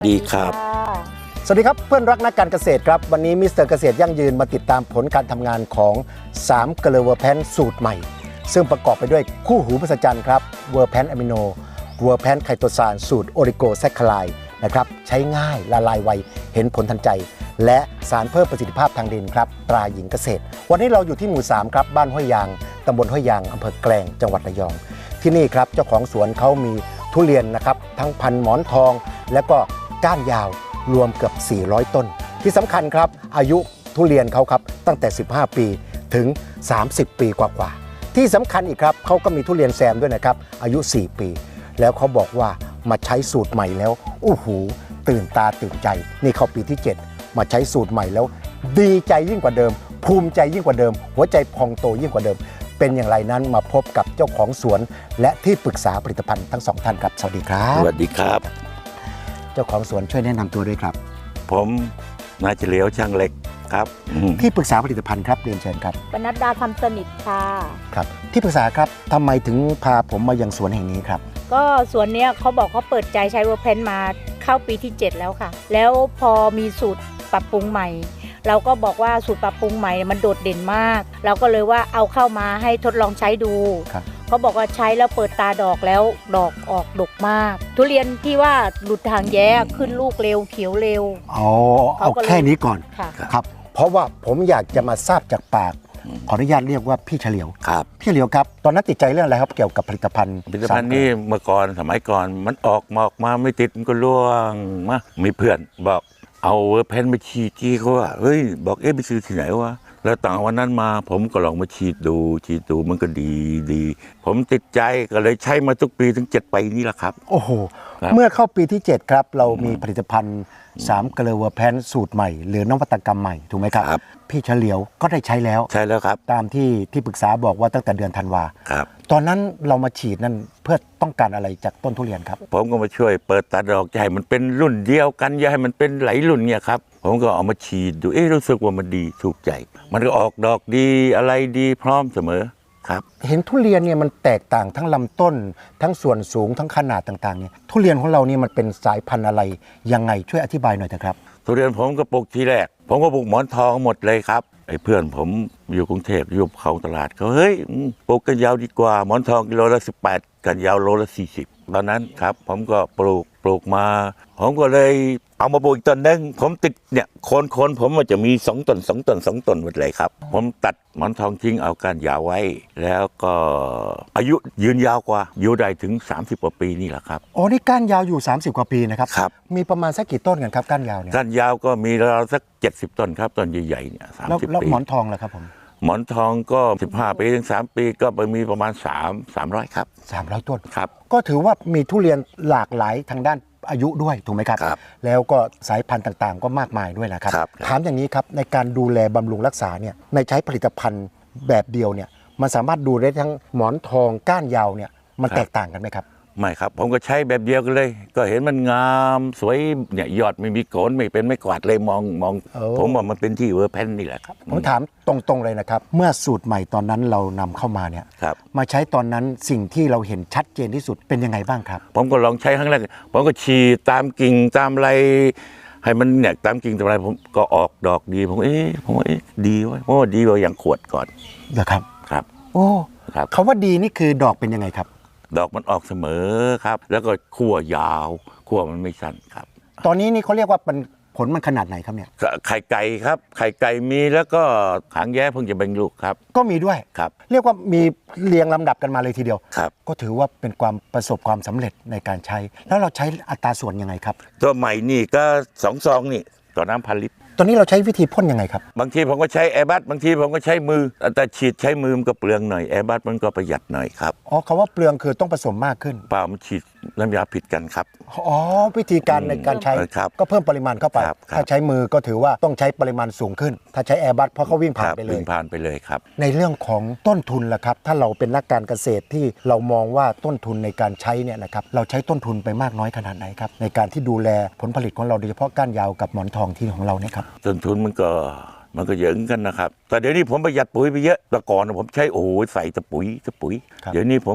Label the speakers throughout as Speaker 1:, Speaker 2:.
Speaker 1: ดีครับ
Speaker 2: สวัสดีครับเพื่อนรักนักการเกษตรครับวันนี้มิสเตอร์เกษตรยั่งยืนมาติดตามผลการทำงานของ3เกลือเวอร์แพนสูตรใหม่ซึ่งประกอบไปด้วยคู่หูมหัศจรรย์ครับเวอร์แพนอะมิโนเวอร์แพนไคโตซานสูตรโอริโกแซคคาไลนะครับใช้ง่ายละลายไวเห็นผลทันใจและสารเพิ่มประสิทธิภาพทางดินครับตราหญิงเกษตรวันนี้เราอยู่ที่หมู่3ครับบ้านห้วยยางตำบลห้วยยางอำเภอแกลงจังหวัดระยองที่นี่ครับเจ้าของสวนเขามีทุเรียนนะครับทั้งพันหมอนทองและก็ก้านยาวรวมเกือบ400 ต้นที่สำคัญครับอายุทุเรียนเขาครับตั้งแต่15 ปีถึง30 ปีกว่าๆที่สำคัญอีกครับเขาก็มีทุเรียนแซมด้วยนะครับอายุ4 ปีแล้วเขาบอกว่ามาใช้สูตรใหม่แล้วโอ้โหตื่นตาตื่นใจนี่เข้าปีที่7มาใช้สูตรใหม่แล้วดีใจยิ่งกว่าเดิมภูมิใจยิ่งกว่าเดิมหัวใจพองโตยิ่งกว่าเดิมเป็นอย่างไรนั้นมาพบกับเจ้าของสวนและที่ปรึกษาผลิตภัณฑ์ทั้ง2ท่านครับสวัสดีครับ
Speaker 1: สวัสดีครับ
Speaker 2: เจ้าของสวนช่วยแนะนำตัวด้วยครับ
Speaker 1: ผมนายเฉลียวช่างเหล็กครับ
Speaker 2: ที่ปรึกษาผลิตภัณฑ์ครับเรียนเชิญครับ
Speaker 3: ปนัดดาคำสนิทค่ะ
Speaker 2: ครับที่ปรึกษาครับทำไมถึงพาผมมายังสวนแห่งนี้ครับ
Speaker 3: ก็สวนเนี้ยเขาบอกเขาเปิดใจใช้เวอร์แพนมาเข้าปีที่ 7 แล้วค่ะ แล้วพอมีสูตรปรับปรุงใหม่ เราก็บอกว่าสูตรปรับปรุงใหม่มันโดดเด่นมาก เราก็เลยว่าเอาเข้ามาให้ทดลองใช้ดู
Speaker 2: ครับ
Speaker 3: เขาบอกว่าใช้แล้วเปิดตาดอกแล้วดอกออกดกมาก ทุเรียนที่ว่าหลุดทางแย้ขึ้นลูกเร็วเขียวเร็ว
Speaker 2: เอาแค่นี้ก่อน
Speaker 3: ค่ะ
Speaker 2: ครับเพราะว่าผมอยากจะมาทราบจากปากขออนุญาตเรียกว่าพี่เฉลียว
Speaker 1: ครับ
Speaker 2: พี่เฉลียวครับตอนนั้นติดใจเรื่องอะไรครับเกี่ยวกับผลิตภัณฑ์
Speaker 1: ผลิตภัณฑ์นี่เมื่อก่อนสมัยก่อนมันออกมาไม่ติดมันก็ร่วงมามีเพื่อนบอกเอาเวอร์แพนมาฉีดที่เขาว่าเฮ้ยบอกไปซื้อที่ไหนวะแล้วต่างวันนั้นมาผมก็ลองมาฉีดดูมันก็ดีผมติดใจก็เลยใช้มาทุกปีถึง7 ปีนี่แหละครับ
Speaker 2: โอ้โห
Speaker 1: ครับ
Speaker 2: เมื่อเข้าปีที่ 7 ครับเรามีผลิตภัณฑ์3เกลือเวอร์แพนสูตรใหม่หรือนวัตกรรมใหม่ถูกไหมครับ
Speaker 1: ครับ
Speaker 2: พี่เฉลียวก็ได้ใช้แล้ว
Speaker 1: ใช่แล้วครับ
Speaker 2: ตามที่ปรึกษาบอกว่าตั้งแต่เดือนธันวา
Speaker 1: ครับ
Speaker 2: ตอนนั้นเรามาฉีดนั่นเพื่อต้องการอะไรจากต้นทุเรียนครับ
Speaker 1: ผมก็มาช่วยเปิดตาดอกจะให้มันเป็นรุ่นเดียวกันอย่าให้มันเป็นหลายรุ่นเนี่ยครับผมก็เอามาฉีดดูรู้สึกว่ามันดีถูกใจ มันก็ออกดอกดีอะไรดีพร้อมเสมอครับ
Speaker 2: เห็นทุเรียนเนี่ยมันแตกต่างทั้งลำต้น ทั้งส่วนสูงทั้งขนาดต่างๆเนี่ยทุเรียนของเรานี่มันเป็นสายพันธุ์อะไรยังไงช่วยอธิบายหน่อยเถอะครับ
Speaker 1: ทุเรียนผมก็ปลูกทีแรก ผมก็ปลูกหมอนทองหมดเลยครับไอ้เพื่อนผมอยู่กรุงเทพอยู่เขาตลาดเขาเฮ้ยปลูกกันยาวดีกว่าหมอนทองกิโลละ18กันยาวโลละ40ตอนนั้นครับผมก็ปลูกมาผมก็เลยเอามาปลูกอีกต้นนึงผมติดเนี่ยโคนผมมันจะมี2 ต้นหมดเลยครับผมตัดหมอนทองทิ้งเอาก้านยาวไว้ แล้วก็อายุยืนยาวกว่าอยู่ได้ถึง30 กว่าปีนี่แหละครับ
Speaker 2: อ๋อนี่ก้านยาวอยู่30 กว่าปีนะครับ
Speaker 1: ครับ
Speaker 2: มีประมาณสักกี่ต้นกันครับก้านยาวเนี่ย
Speaker 1: ก้านยาวก็มีราวสัก70 ต้นครับต้นใหญ่ๆเนี่ย
Speaker 2: แล้ว
Speaker 1: 30 ปี
Speaker 2: หมอนทองล่ะครับผม
Speaker 1: หมอนทองก็15 ปีถึง3 ปีก็ไปมีประมาณ300ครับ
Speaker 2: 300 ต้น
Speaker 1: ครับ
Speaker 2: ก็ถือว่ามีทุเรียนหลากหลายทางด้านอายุด้วยถูกไหมครับ
Speaker 1: ครับ
Speaker 2: แล้วก็สายพันธุ์ต่างๆ ก็มากมายด้วยนะครับ
Speaker 1: ครับ
Speaker 2: ถามอย่างนี้ครับในการดูแลบำรุงรักษาเนี่ยในใช้ผลิตภัณฑ์แบบเดียวเนี่ยมันสามารถดูได้ทั้งหมอนทองก้านยาวเนี่ยมันแตกต่างกันไหมครับ
Speaker 1: ไม่ครับผมก็ใช้แบบเดียวกันเลย ก็เห็นมันงามสวยเนี่ยยอดไม่มีโกนไม่เป็นไม่กวาดเลยมอง
Speaker 2: โอ้
Speaker 1: ผมว่ามันเป็นที่เวอร์แพนนี่แหละครับ
Speaker 2: ผมถามตรงๆเลยนะครับ เมื่อสูตรใหม่ตอนนั้นเรานำเข้ามาเนี่ย
Speaker 1: ครับ
Speaker 2: มาใช้ตอนนั้นสิ่งที่เราเห็นชัดเจนที่สุดเป็นยังไงบ้างครับ
Speaker 1: ผมก็ลองใช้ครั้งแรกผมก็ฉีดตามกิ่งตามอะไรให้มันเนี่ยตามกิ่งตามอะไรผมก็ออกดอกดีผมว่าดีเว้ยเพราะว่าดีกว่าอย่างขวดก่อน
Speaker 2: เหรอครับ
Speaker 1: ครับ
Speaker 2: โอ้
Speaker 1: ครับ
Speaker 2: คำว่าดีนี่คือดอกเป็นยังไงครับ
Speaker 1: ดอกมันออกเสมอครับ แล้วก็ขั้วยาวขั้วมันไม่สั้นครับ
Speaker 2: ตอนนี้นี่เขาเรียกว่าผลมันขนาดไหนครับเนี่ย
Speaker 1: ไข่ไก่ครับไข่ไก่มีแล้วก็หางแย้เพิ่งจะเบ่งลูกครับ
Speaker 2: ก็มีด้วย
Speaker 1: ครับ
Speaker 2: เรียกว่ามีเรียงลำดับกันมาเลยทีเดียว
Speaker 1: ครับ
Speaker 2: ก็ถือว่าเป็นความประสบความสำเร็จในการใช้ แล้วเราใช้อัตราส่วนยังไงครับ
Speaker 1: ตัวใหม่นี่ก็2 ซองนี่ต่อน้ำ1,000 ลิตร
Speaker 2: ตอนนี้เราใช้วิธีพ่นยังไงครับ
Speaker 1: บางทีผมก็ใช้แอร์บัสบางทีผมก็ใช้มือแต่ฉีดใช้มือมันก็เปลืองหน่อยแอร์บัสมันก็ประหยัดหน่อยครับ
Speaker 2: อ๋อคำว่าเปลืองคือต้องผสมมากขึ้น
Speaker 1: เปล่ามันฉีดน้ำยาผิดกันครับ
Speaker 2: อ๋อวิธีการในการใช้
Speaker 1: ครับ
Speaker 2: ก็เพิ่มปริมาณเข้าไป
Speaker 1: ครับ
Speaker 2: ถ้าใช้มือก็ถือว่าต้องใช้ปริมาณสูงขึ้น ถ้าใช้แอร์บัสเพราะเขาวิ่งผ่านไปเล
Speaker 1: วิ่
Speaker 2: ย
Speaker 1: งผ่านไปเลยครับ
Speaker 2: ในเรื่องของต้นทุนล่ะครับ ถ้าเราเป็นนักการเกษตรที่เรามองว่าต้นทุนในการใช้เนี่ยนะครับเราใช้ต้นทุนไปมากน้อยขนาดไหนครับในการที่ดูแลผลผลิตของเราโดยเฉพาะก้านยาวกับหมอนทองที่ของเราเนี่ยครับ
Speaker 1: ต้นทุนมันก็เยอะเหมือนกันนะครับแต่เดี๋ยวนี้ผมประหยัดปุ๋ยไปเยอะแต่ก่อนผมใช้ใส่แต่ปุ๋ย
Speaker 2: ครับ
Speaker 1: เดี๋ยวนี้ผม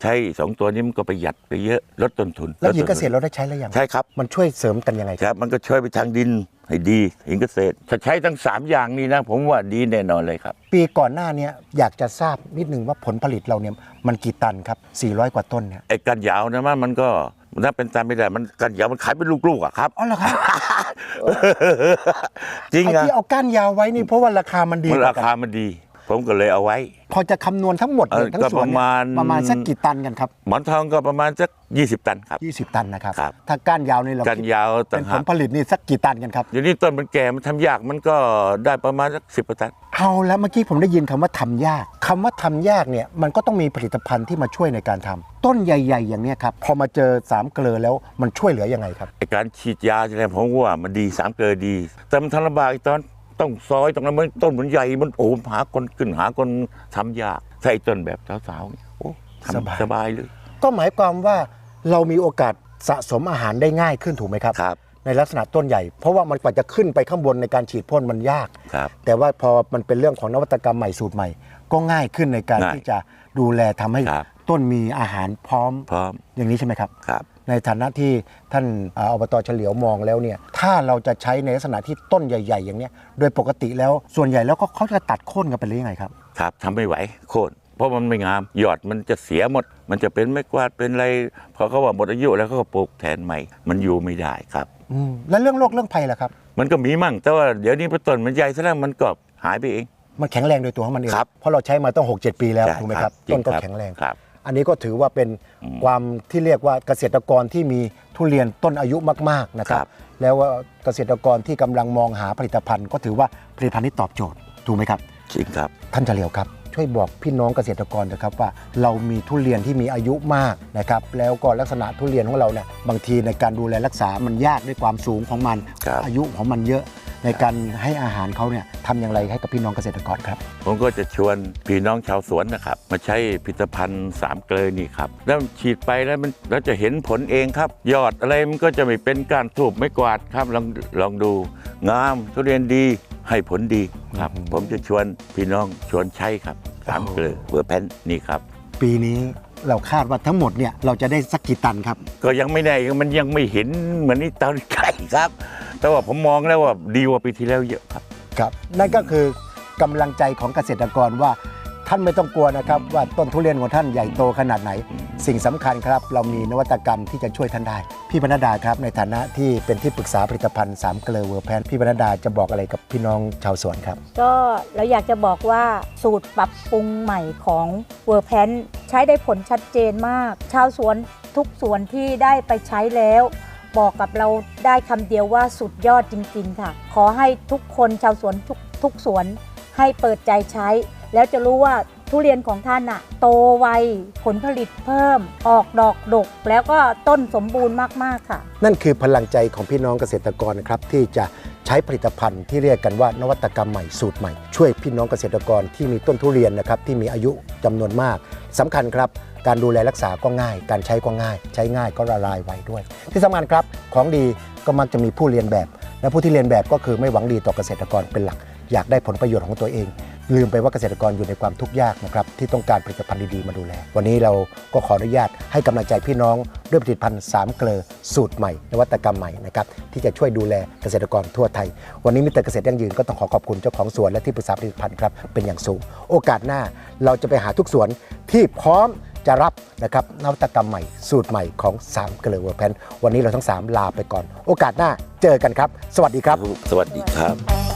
Speaker 1: ใช้2ตัวนี้มันก็ประหยัดไปเยอะลดต้นทุน
Speaker 2: แล้วหญิงเกษตรเราได้ใช้แล้วยัง
Speaker 1: ใช่ครับ
Speaker 2: มันช่วยเสริมกันยังไง
Speaker 1: ครับมันก็ช่วยไปทางดินให้ดีหญิงเกษตรถ้าใช้ทั้ง3อย่างนี้นะผมว่าดีแน่นอนเลยครับ
Speaker 2: ปีก่อนหน้าเนี้ยอยากจะทราบนิดนึงว่าผลผลิตเราเนี่ยมันกี่ตันครับ400 กว่าต้นเนี่ย
Speaker 1: ไอ้กันยาวนะมันก็ถ้าเป็นตามไม่ได้มันกันยาวมันขายเป็นลูกๆอะครับ
Speaker 2: อ๋อเหรอครับ
Speaker 1: จริง
Speaker 2: ไอ้
Speaker 1: อะ
Speaker 2: ที่เอาก้านยาวไว้นี่เพราะว่าราคามันดี
Speaker 1: มัน
Speaker 2: ก
Speaker 1: รา
Speaker 2: ว่ากัน
Speaker 1: คามันดี ผมก็เลยเอาไว้
Speaker 2: พอจะคำนวณทั้งหมดเลยทั้ง
Speaker 1: ก็
Speaker 2: สวนเนี่ย
Speaker 1: ประมาณ
Speaker 2: สักกี่ตันกันครับ
Speaker 1: หมอนทองก็ประมาณสัก20 ตันครับ
Speaker 2: 20 ตันนะครับ
Speaker 1: ครับ
Speaker 2: ถ้าก้านยาวนี่เรา
Speaker 1: กัน
Speaker 2: คิด
Speaker 1: ยาวต่า
Speaker 2: เป็
Speaker 1: ง
Speaker 2: นผ
Speaker 1: หา
Speaker 2: ล
Speaker 1: ก
Speaker 2: ผลิตนี่สักกี่ตันกันครับ
Speaker 1: เดี๋ยวนี้ต้นมันแก่มันทำยากมันก็ได้ประมาณสัก10 ตัน
Speaker 2: เอาแล้วเมื่อกี้ผมได้ยินคำว่าทำยากคำว่าทำยากเนี่ยมันก็ต้องมีผลิตภัณฑ์ที่มาช่วยในการทำต้นใหญ่ ๆ อย่างเนี้ยครับพอมาเจอ3 เกลอแล้วมันช่วยเหลือยังไงครับ
Speaker 1: ไอ้การฉีดยาอะไรผมว่ามันดี3 เกลือดี แต่มันทำลำบากอีกตอนต้องซอยตรงนั้นมันต้นมันใหญ่มันโอ้หาคนขึ้นหาคนทำยากใส่ต้นแบบสาวๆเนี่ยโอ้ทำสบายเลย
Speaker 2: ก็หมายความว่าเรามีโอกาสสะสมอาหารได้ง่ายขึ้นถูกไหมครับ
Speaker 1: ครับ
Speaker 2: ในลักษณะต้นใหญ่ เพราะว่ามันกว่าจะขึ้นไปข้างบนในการฉีดพ่นมันยาก
Speaker 1: ครับ
Speaker 2: แต่ว่าพอมันเป็นเรื่องของนวัตกรรมใหม่สูตรใหม่ ก็ง่ายขึ้นในการ
Speaker 1: ง่าย
Speaker 2: ที่จะดูแลทำให้
Speaker 1: ครับ
Speaker 2: ต้นมีอาหารพร้อม
Speaker 1: พร้อม
Speaker 2: อย่างนี้ใช่ไหมครับ
Speaker 1: ครับ
Speaker 2: ในฐานะที่ท่านอบต.เฉลียวมองแล้วเนี่ยถ้าเราจะใช้ในลักษณะที่ต้นใหญ่ ๆ อย่างเนี้ยโดยปกติแล้วส่วนใหญ่แล้วก็เขาจะตัดโค่นกันไปเลยยังไงครับ
Speaker 1: ครับทำไม่ไหวโค่นเพราะมันไม่งามยอดมันจะเสียหมด มันจะเป็นไม้กวาดเป็นอะไรพอเขาว่าหมดอายุแล้วเขาก็ปลูกแทนใหม่ มันอยู่ไม่ได้ครับ
Speaker 2: แล้วเรื่องโรคเรื่องภัยล่ะครับ
Speaker 1: มันก็มีมั่งแต่ว่าเดี๋ยวนี้พอต้นมันใหญ่ซะแล้วมันก็หายไปเอง
Speaker 2: มันแข็งแรงโดยตัวของมันเอง
Speaker 1: ครับ
Speaker 2: เพราะเราใช้มาต้อง 6-7 ปีแล้ว
Speaker 1: ใช่
Speaker 2: ถูกไหมครับ
Speaker 1: จริ
Speaker 2: ต้นก็
Speaker 1: ครับ
Speaker 2: แข็งแรง
Speaker 1: ครับ
Speaker 2: อันนี้ก็ถือว่าเป็นความที่เรียกว่าเกษตรกรที่มีทุเรียนต้นอายุมากๆนะครั
Speaker 1: ครับ บ
Speaker 2: แล้วว่าเกษตรกรที่กำลังมองหาผลิตภัณฑ์ ก็ถือว่าผลิตภัณฑ์นี้ตอบโจทย์ถูกไหมครับ
Speaker 1: จริงครับ
Speaker 2: ท่านเฉลียวครับช่วยบอกพี่น้องเกษตรกรนะครับว่าเรามีทุเรียนที่มีอายุมากนะครับแล้วก็ลักษณะทุเรียนของเราเนี่ยบางทีในการดูแลรักษามันยากด้วยความสูงของมัน
Speaker 1: ครับ
Speaker 2: อายุของมันเยอะในการให้อาหารเขาเนี่ยทำอย่างไรให้กับพี่น้องเกษตรกรครับ
Speaker 1: ผมก็จะชวนพี่น้องชาวสวนนะครับ มาใช้ผลิตภัณฑ์3 เกลือนี่ครับแล้วฉีดไปแล้วมันเราจะเห็นผลเองครับ ยอดอะไรมันก็จะไม่เป็นการทูบไม่กวาดครับลองดูงามทุเรียนดีให้ผลดีครับ ผมจะชวนพี่น้องชวนใช้ครับ3 เกลือเวอร์แพนนี่ครับ
Speaker 2: ปีนี้เราคาดว่าทั้งหมดเนี่ยเราจะได้สักกี่ตันครับ
Speaker 1: ก็ยังไม่ได้มันยังไม่เห็นเหมือนนี่ตอนไก่ครับ แต่ว่าผมมองแล้วว่าดีกว่าปีที่แล้วเยอะครับ
Speaker 2: ครับนั่นก็คือกำลังใจของเกษตรกรว่าท่านไม่ต้องกลัวนะครับว่าต้นทุเรียนของท่านใหญ่โตขนาดไหน สิ่งสำคัญครับเรามีนวัตกรรมที่จะช่วยท่านได้ พี่ปนัดดาครับในฐานะที่เป็นที่ปรึกษาผลิตภัณฑ์3 เกลอเวอร์แพนพี่ปนัดดาจะบอกอะไรกับพี่น้องชาวสวนครับ
Speaker 3: ก็เราอยากจะบอกว่าสูตรปรับปรุงใหม่ของเวอร์แพนใช้ได้ผลชัดเจนมาก ชาวสวนทุกสวนที่ได้ไปใช้แล้ว บอกกับเราได้คำเดียวว่าสุดยอดจริงๆค่ะ ขอให้ทุกคนชาวสวนทุกสวนให้เปิดใจใช้ แล้วจะรู้ว่าทุเรียนของท่านโตไวผลผลิตเพิ่มออกดอกดก แล้วก็ต้นสมบูรณ์มากๆค่ะ
Speaker 2: นั่นคือพลังใจของพี่น้องเกษตรกรนะครับที่จะใช้ผลิตภัณฑ์ที่เรียกกันว่านวัตกรรมใหม่สูตรใหม่ ช่วยพี่น้องเกษตรกรที่มีต้นทุเรียนนะครับที่มีอายุจำนวนมากสำคัญครับการดูแลรักษาก็ง่าย การใช้ก็ง่าย ใช้ง่ายก็ละลายไวด้วย ที่สำคัญครับของดีก็มักจะมีผู้เรียนแบบ และผู้ที่เรียนแบบก็คือไม่หวังดีต่อเกษตรกรเป็นหลัก อยากได้ผลประโยชน์ของตัวเอง ลืมไปว่าเกษตรกรอยู่ในความทุกข์ยากนะครับที่ต้องการผลิตภัณฑ์ดีๆมาดูแล วันนี้เราก็ขออนุญาตให้กำลังใจพี่น้องด้วยผลิตภัณฑ์3 เกลอสูตรใหม่นวัตกรรมใหม่นะครับที่จะช่วยดูแลเกษตรกรทั่วไทย วันนี้มิสเตอร์เกษตรยั่งยืนก็ต้องขอบคุณเจ้าของสวนและที่ปรึกษาผลิตภัณฑ์ครับเป็นอย่างสูง โอกาสหน้าเราจะไปหาทุกสวนที่พร้อมจะรับนะครับนวัตกรรมใหม่สูตรใหม่ของ3 เกลอเวอร์แพนวันนี้เราทั้ง3ลาไปก่อนโอกาสหน้าเจอกันครับสวัสดีครับ
Speaker 1: สวัสดีครับ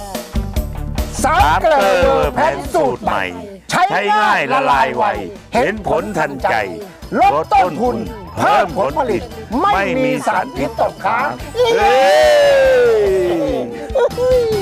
Speaker 2: 3 เกลอเวอร์แพนสูตรใหม่ใช้ง่ายละลายไวเห็นผลทันใจลดต้นทุนเพิ่มผลผลิตไม่มีสารพิษตกค้าง